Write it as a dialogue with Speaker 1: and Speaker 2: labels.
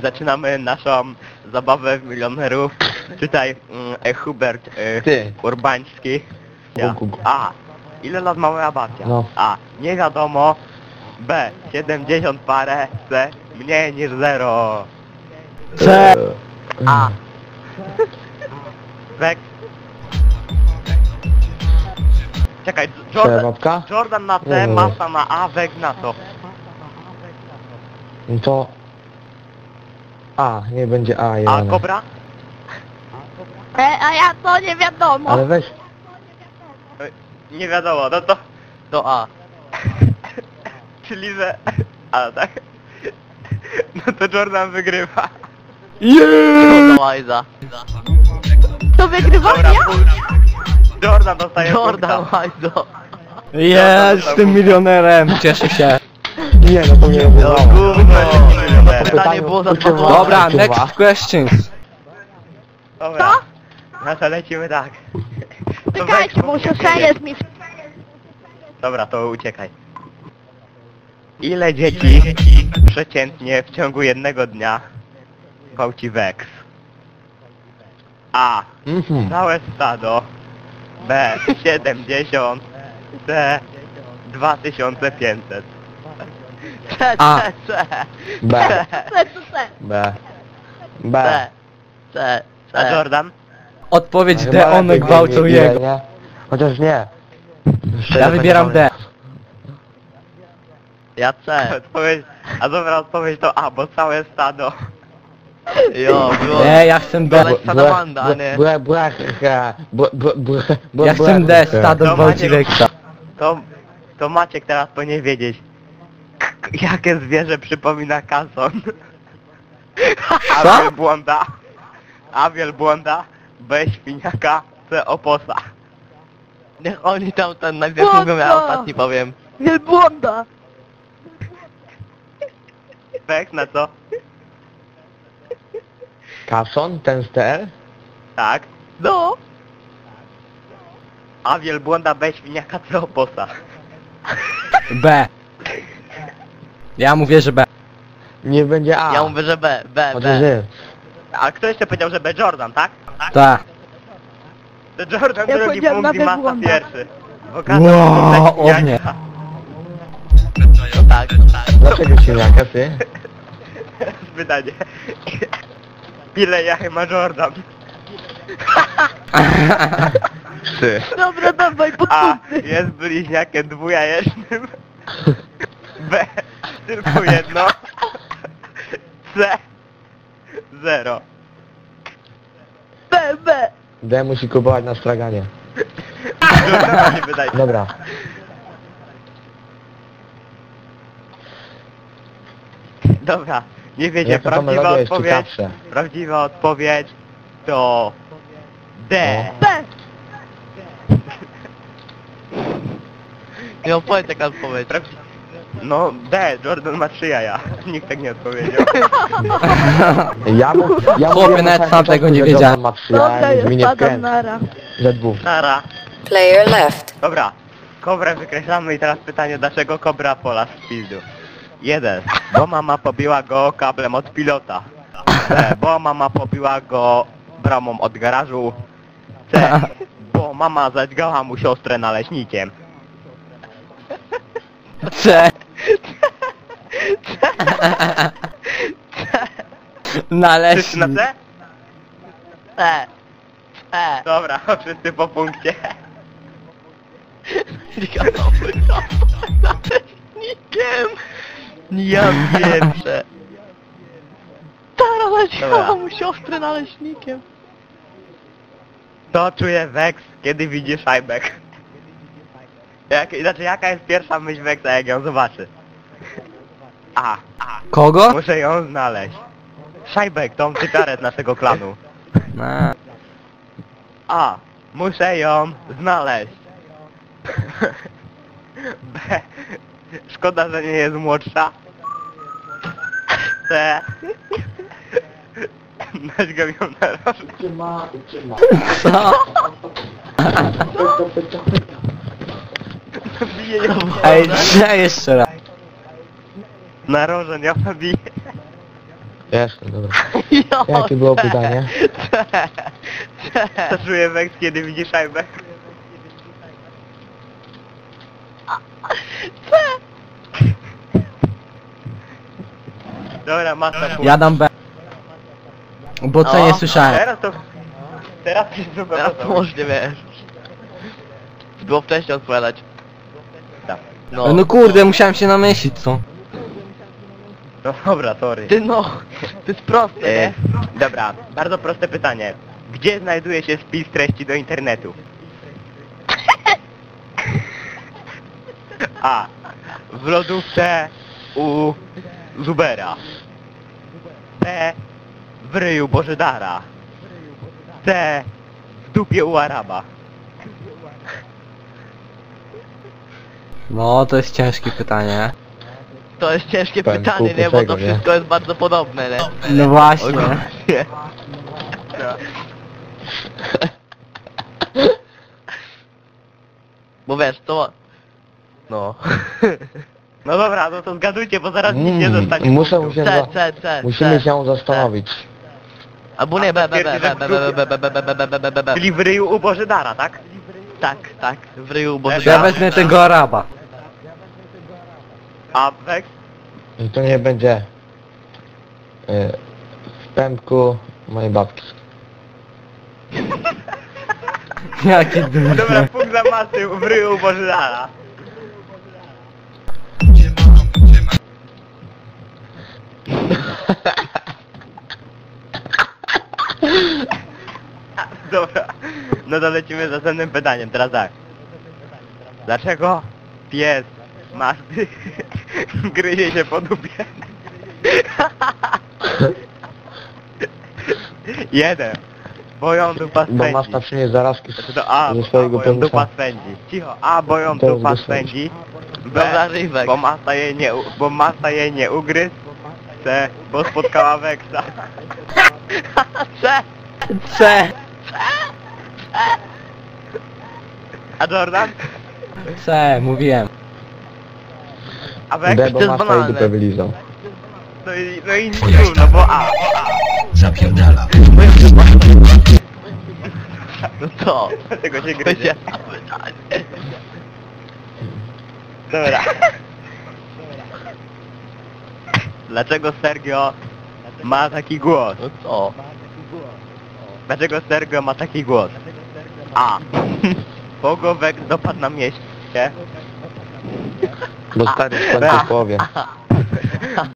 Speaker 1: zaczynamy naszą zabawę w milionerów. Tutaj Hubert
Speaker 2: Ty.
Speaker 1: Urbański. Ja.
Speaker 2: Gu.
Speaker 1: A. Ile lat ma moja babcia?
Speaker 2: No.
Speaker 1: A. Nie wiadomo. B. 70 parę. C. Mniej niż 0.
Speaker 2: C.
Speaker 1: A. Wex. Czekaj,
Speaker 2: Przewodka?
Speaker 1: Jordan na C,
Speaker 2: Nie.
Speaker 1: Masa na A, Wex na to.
Speaker 2: No to... A, nie będzie A,
Speaker 1: A
Speaker 2: Jana.
Speaker 1: Kobra?
Speaker 3: A ja to nie wiadomo.
Speaker 2: Ale weź...
Speaker 1: Nie wiadomo, no to A. Czyli że... A, tak? No to Jordan wygrywa.
Speaker 4: Łajza.
Speaker 3: To wygrywa
Speaker 1: Dobra,
Speaker 3: ja?
Speaker 1: Jordan dostaje
Speaker 4: Jordan
Speaker 1: punkta.
Speaker 4: Łajzo.
Speaker 5: Jestem milionerem, cieszę się.
Speaker 2: Nie, no to nie
Speaker 1: No
Speaker 2: było.
Speaker 1: gówno, milioner.
Speaker 4: Pytanie było za
Speaker 2: Pytanie-
Speaker 4: 2
Speaker 5: Dobra,
Speaker 2: Kurwa.
Speaker 5: next questions.
Speaker 1: Dobra. No to lecimy tak. To
Speaker 3: Czekajcie,
Speaker 1: Wex,
Speaker 3: bo siostrze jest mi...
Speaker 1: Dobra, to uciekaj. Ile dzieci przeciętnie w ciągu jednego dnia gwałci Wex? A.
Speaker 2: Mhm.
Speaker 1: Całe stado. B. 70. C. 2500.
Speaker 4: C,
Speaker 5: A.
Speaker 4: C, C.
Speaker 2: B.
Speaker 3: C.
Speaker 2: B.
Speaker 4: C,
Speaker 2: B.
Speaker 4: C,
Speaker 1: A
Speaker 4: C.
Speaker 1: Jordan?
Speaker 5: Odpowiedź
Speaker 2: Chyba
Speaker 5: D, one
Speaker 2: lepiej
Speaker 5: gwałcą
Speaker 2: wiedzieć, ile,
Speaker 5: jego.
Speaker 2: nie? Chociaż nie.
Speaker 5: Ja wybieram D.
Speaker 4: Ja C.
Speaker 1: A dobra odpowiedź to A, bo całe stado.
Speaker 4: Jo, było.
Speaker 5: Nie, ja chcę B.
Speaker 4: Ale salamanda, a nie.
Speaker 5: Ja chcę D, stado
Speaker 1: No,
Speaker 5: gwałci
Speaker 1: Maniek.
Speaker 5: Wexa.
Speaker 1: To Maciek teraz powinien wiedzieć. Jakie zwierzę przypomina kason? A wielbłąda. A wielbłąda. B świniaka. C oposa.
Speaker 4: Niech oni tam ten najpierw
Speaker 3: Błąd,
Speaker 4: mówią, ja
Speaker 3: no.
Speaker 4: ostatni powiem.
Speaker 3: Wielbłąda.
Speaker 1: Wex na co?
Speaker 2: Kason, ten z TL?
Speaker 1: Tak.
Speaker 3: No.
Speaker 1: A wielbłąda. B świniaka. C oposa.
Speaker 5: B. Ja mówię, że B.
Speaker 2: Nie będzie A.
Speaker 4: Ja mówię, że B, B,
Speaker 2: Chociaż
Speaker 4: B.
Speaker 2: nie.
Speaker 1: A kto jeszcze powiedział, że B Jordan, tak?
Speaker 5: Tak.
Speaker 1: To Jordan
Speaker 3: Ja
Speaker 1: drugi
Speaker 3: powiedziałem
Speaker 1: punkt i
Speaker 3: na
Speaker 1: Masa
Speaker 3: wielbłąda.
Speaker 1: pierwszy. Bo każdy
Speaker 5: Wow,
Speaker 1: punkt
Speaker 5: o
Speaker 1: dla
Speaker 5: mnie.
Speaker 1: świniaka.
Speaker 4: No tak, tak.
Speaker 2: Dlaczego świniaka, ty?
Speaker 1: Pytanie. Ile jaj ma Jordan?
Speaker 2: Ty.
Speaker 3: Dobra, dawaj,
Speaker 1: A.
Speaker 3: podpunty.
Speaker 1: Jest bliźniakiem dwujajecznym. B. Tylko jedno. C. 0.
Speaker 3: B.
Speaker 2: D musi kupować na straganie.
Speaker 1: Jordana nie wydaje.
Speaker 2: Dobra.
Speaker 1: Dobra. Nie wiecie,
Speaker 2: Jaka to
Speaker 1: prawdziwa
Speaker 2: melodia jest
Speaker 1: odpowiedź.
Speaker 2: ciekawsza.
Speaker 1: Prawdziwa odpowiedź to D.
Speaker 2: No.
Speaker 3: B.
Speaker 4: Nie opowiedz jaka odpowiedź.
Speaker 1: No D. Jordan ma 3 jaja. Nikt tak nie odpowiedział.
Speaker 2: Ja
Speaker 5: Chłopie,
Speaker 2: mówiłem
Speaker 5: nawet
Speaker 2: na
Speaker 5: sam tego nie
Speaker 2: że
Speaker 5: wiedziałem.
Speaker 2: Jordan ma 3
Speaker 3: Dobra,
Speaker 2: jaja,
Speaker 3: ja
Speaker 2: zmienię
Speaker 3: spadam
Speaker 2: wkręt.
Speaker 3: nara.
Speaker 2: Ze dwóch.
Speaker 1: Nara.
Speaker 6: Player left.
Speaker 1: Dobra. Kobrę wykreślamy i teraz pytanie, dlaczego kobra pola z pizdu? 1. Bo mama pobiła go kablem od pilota. B. Bo mama pobiła go bramą od garażu. C. Bo mama zadźgała mu siostrę naleśnikiem.
Speaker 5: C.
Speaker 1: Wszyscy
Speaker 5: Naleśnik.
Speaker 1: na C?
Speaker 4: C. C.
Speaker 1: Dobra, wszyscy po punkcie.
Speaker 4: Nikiem. Ja pierwsze.
Speaker 3: Tara
Speaker 1: Dobra.
Speaker 3: naciąła mu siostrę naleśnikiem.
Speaker 1: To czuje Wex, kiedy widzi Szajbek. Znaczy, jaka jest pierwsza myśl Wexa, jak ją zobaczy? A.
Speaker 5: Kogo?
Speaker 1: Muszę ją znaleźć. Szajbek, tą cygarę z naszego klanu.
Speaker 5: Na.
Speaker 1: A. Muszę ją znaleźć. B. Szkoda, że nie jest młodsza. C. Naćgam ją na rożę.
Speaker 5: Co?
Speaker 1: Bije ją
Speaker 5: Ej, nie, jeszcze raz.
Speaker 1: na rożę, ja nabiję.
Speaker 2: Jestem, dobra.
Speaker 4: Jo,
Speaker 2: Jakie było pytanie?
Speaker 1: Co czuje Wex, kiedy widzi szajbę? Dobra, masa punkt.
Speaker 5: Ja dam B. Bo co
Speaker 4: No.
Speaker 5: nie słyszałem.
Speaker 1: Teraz to... Teraz to jest super.
Speaker 4: Teraz to może wiesz. Było wcześniej odpowiadać.
Speaker 1: Tak.
Speaker 5: No kurde, musiałem się namyślić, co?
Speaker 1: No dobra, sorry.
Speaker 4: Ty no, to jest proste, nie?
Speaker 1: Dobra, bardzo proste pytanie. Gdzie znajduje się spis treści do internetu? A. W lodówce u Zubera. B. W ryju Bożydara. C. W dupie u Araba.
Speaker 5: No, to jest ciężkie pytanie.
Speaker 4: To jest ciężkie
Speaker 2: Powiem
Speaker 4: pytanie,
Speaker 2: kupy
Speaker 4: nie? Bo to
Speaker 2: tego, nie?
Speaker 4: wszystko jest bardzo podobne, nie?
Speaker 5: No właśnie.
Speaker 4: Ogólnie. Bo wiesz, to... No.
Speaker 1: No dobra, no to zgadujcie, bo zaraz nic nie zostanie.
Speaker 2: Muszę
Speaker 1: punktów.
Speaker 2: się musimy się zastanowić.
Speaker 4: Albo nie, B, B, B, B, B, B, B, B, B, B, B, B, B, B, B.
Speaker 1: Czyli w ryju u Bożydara, tak?
Speaker 4: Tak, tak, w ryju, bo...
Speaker 5: Ja wezmę tego Araba.
Speaker 1: A Wex?
Speaker 2: I to nie będzie w pępku mojej babki.
Speaker 5: Jaki
Speaker 1: Dobra,
Speaker 5: durny.
Speaker 1: punkt za masy w ryju u Bożydara. Dobra, no to lecimy z następnym pytaniem, teraz tak. Dlaczego pies Mazdy gryzie się po dupie? 1. Bo ją dupa
Speaker 2: Bo masz
Speaker 1: spędzi.
Speaker 2: przynieść zarazki
Speaker 1: Znaczy to A,
Speaker 2: ze swojego
Speaker 1: bo ją dupa
Speaker 2: pełnika.
Speaker 1: spędzi. Cicho, A, bo ją
Speaker 2: To jest
Speaker 1: dupa
Speaker 2: bez sensu.
Speaker 1: spędzi.
Speaker 4: Dobra,
Speaker 1: B,
Speaker 4: Rywek.
Speaker 1: bo masa jej nie ugryzł. C, bo spotkała Weksa.
Speaker 4: C!
Speaker 5: C.
Speaker 2: Tak.
Speaker 1: A Jordan?
Speaker 5: C, mówiłem.
Speaker 1: A Weks?
Speaker 2: D, bo
Speaker 4: to jest
Speaker 2: masz
Speaker 4: banalne.
Speaker 2: i dupę wylizał.
Speaker 1: No i trudno, bo A.
Speaker 4: No to...
Speaker 1: Dlatego się
Speaker 4: To
Speaker 1: gryzie.
Speaker 4: się... pytanie.
Speaker 1: Dobra. Dlaczego Sergio ma taki głos?
Speaker 4: No co?
Speaker 1: Dlaczego Sergio ma taki głos? A. Bo go Weks dopadł na mieście.
Speaker 2: Bo stary w końcu powie.